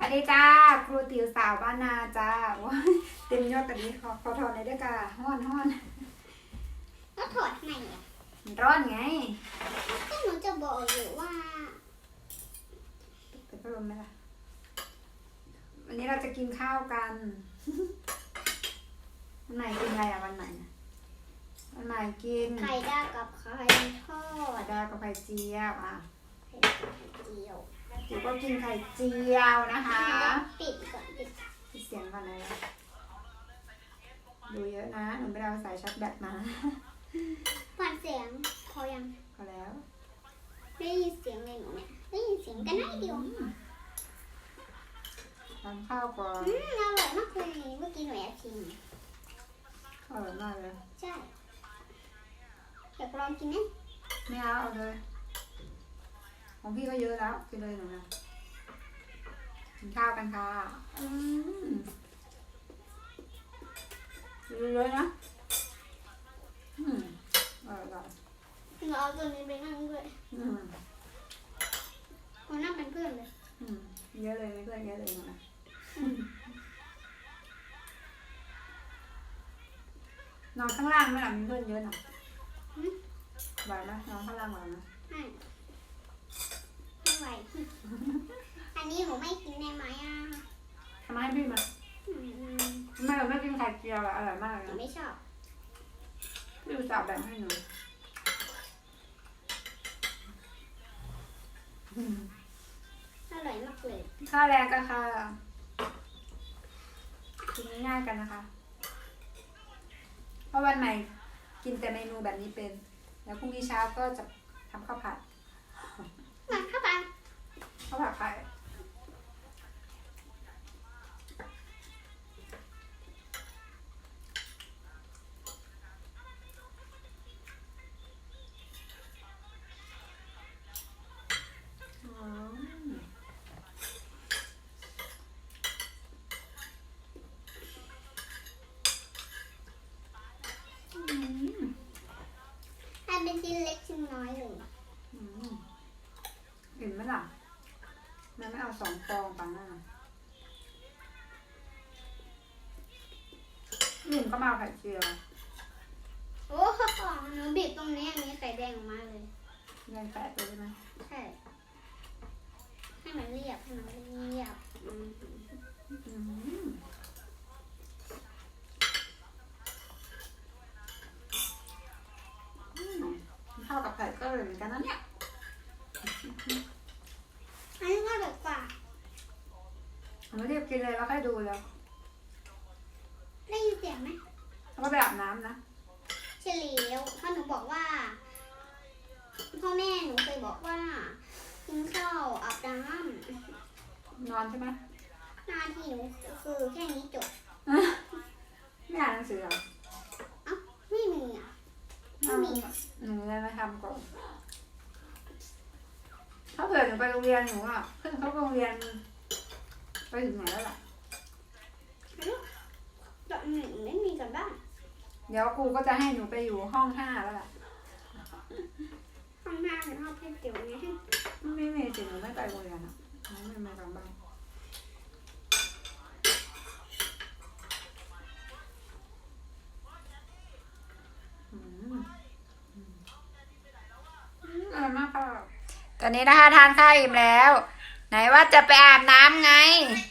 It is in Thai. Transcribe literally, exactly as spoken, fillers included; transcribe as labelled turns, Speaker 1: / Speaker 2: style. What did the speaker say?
Speaker 1: วัสดีจ้าครูติ๋วสาวบ้านนาจ้าว้าเต็มยอดแบบนี้ขอขอถอดเลยด้วยจ้าห้อนห้อน
Speaker 2: ก็ถอดทำไมอ่ะ
Speaker 1: มันร้อนไง
Speaker 2: ก็หนูจะบอกอยู่ว่า
Speaker 1: เปิดพัดลมไหมล่ะวันนี้เราจะกินข้าวกันวันไหนกินอะไรอ่ะวันไหนวันไหนกิน
Speaker 2: ไข่ดาวกับไข่ทอด
Speaker 1: ไข่ดาวกับไข่เจียวอ่ะ
Speaker 2: ไข่ดาวกับไข่เจียว
Speaker 1: เดี๋ยวก็กินไข่เจียวนะคะ
Speaker 2: ปิดก่อนปิด
Speaker 1: ปิดเสียงก่อนเลยดูเยอะนะหนูไปเอาสายชาร์จแบตมา
Speaker 2: ฟังเสียงพอยัง
Speaker 1: พอแล้ว
Speaker 2: ได้ยินเสียงเลยหนูเนี่ยได้ยินเสียงกันได้เดียว
Speaker 1: ทานข้าวก่อน
Speaker 2: อืมอร่อยมากเลยเมื่อกี้หนูแอบชิม
Speaker 1: อร่อยมากเลย
Speaker 2: ใช่อยากลองกินไหม
Speaker 1: ไม่เอาเอาเลยของพี่ก็เยอะแล้วกินเลยหนูนะกินข้าวกันค่ะอืมเยอะๆนะอืมอร่อย
Speaker 2: หนูเอาตัวนี้ไปนั่งด้วย
Speaker 1: อืม
Speaker 2: มานั่งเป็นเพื่อนเลย
Speaker 1: อืมเยอะเลยเพื่อนเยอะเลยหนูนะนอนข้างล่างไหมล่ะมีเพื่อนเยอะหน่อยไหวไหมนอนข้างล่างไหวไหม
Speaker 2: ไม่ไม่ไหวอันนี้หนูไม่กินได้ไหมอ่ะ
Speaker 1: ทำไมให้พี่มาทำไมเราไม่กินไข่เจียวอ่ะอร่อยมากเลย
Speaker 2: หนูไม่ชอบ
Speaker 1: พี่อุตส่าห์แบ่งให้หนู
Speaker 2: อร่อยมากเลย
Speaker 1: ข้าวแรงกันค่ะกินง่ายๆกันนะคะเพราะวันใหม่กินแต่เมนูแบบนี้เป็นแล้วพรุ่งนี้เช้าก็จะทำข้าวผัด
Speaker 2: มาข้าวผัด
Speaker 1: ข้าวผัดไข่
Speaker 2: เป็นชิ้นเล็กชิ้นน้อยเลย
Speaker 1: เห็นไหมล่ะแม่ไม่เอาสองฟองปังหน้าหนึ่งก็มาไข่เจียว
Speaker 2: โอ้โหหนูบีบตรงนี้มีไข่แดงออกมาเลย
Speaker 1: แดงแปะตัวใช่ไหม
Speaker 2: ใช่ให้มันเรียบให้มันเรียบ
Speaker 1: ข้าวกับไข่ก็เลยเหมือนกันนะเนี่ย
Speaker 2: อันนี้ก็แบบกว่า
Speaker 1: ผมไม่ได้กินเลยแล้วค่อยดูแล้ว
Speaker 2: ได้ยินเสียงไหม
Speaker 1: แล้วก็ไปอาบน้ำนะ
Speaker 2: เฉลียวพ่อหนูบอกว่าพ่อแม่หนูเคยบอกว่ากินข้าวอาบน้
Speaker 1: ำนอนใช่ไหม
Speaker 2: หน้าที่หนูคือแค่นี้จบ
Speaker 1: ไม่อ่านหนังสือหรอ
Speaker 2: อ้าวไม่มีอ่ะไม่มี
Speaker 1: หนูเลยมาทำก่อนถ้าเผื่อหนูไปโรงเรียนหนูอ่ะขึ้นเขาโรงเรียนไปถึงไหนแล้วล่ะ
Speaker 2: ตอนหนึ่งไม่มีกันบ้าง
Speaker 1: เดี๋ยวครูก็จะให้หนูไปอยู่ห้องห้าแล้วล่ะ
Speaker 2: ห้องห้าหรือห้องเพื่อนติ๋วไง
Speaker 1: ไม่ไม่สิหนูไม่ไปโรงเรียนอ่ะหนูไม่มากันบ้างอร่อยมากค่ะตอนนี้นะคะทานข้าวอิ่มแล้วไหนว่าจะไปอาบน้ำไง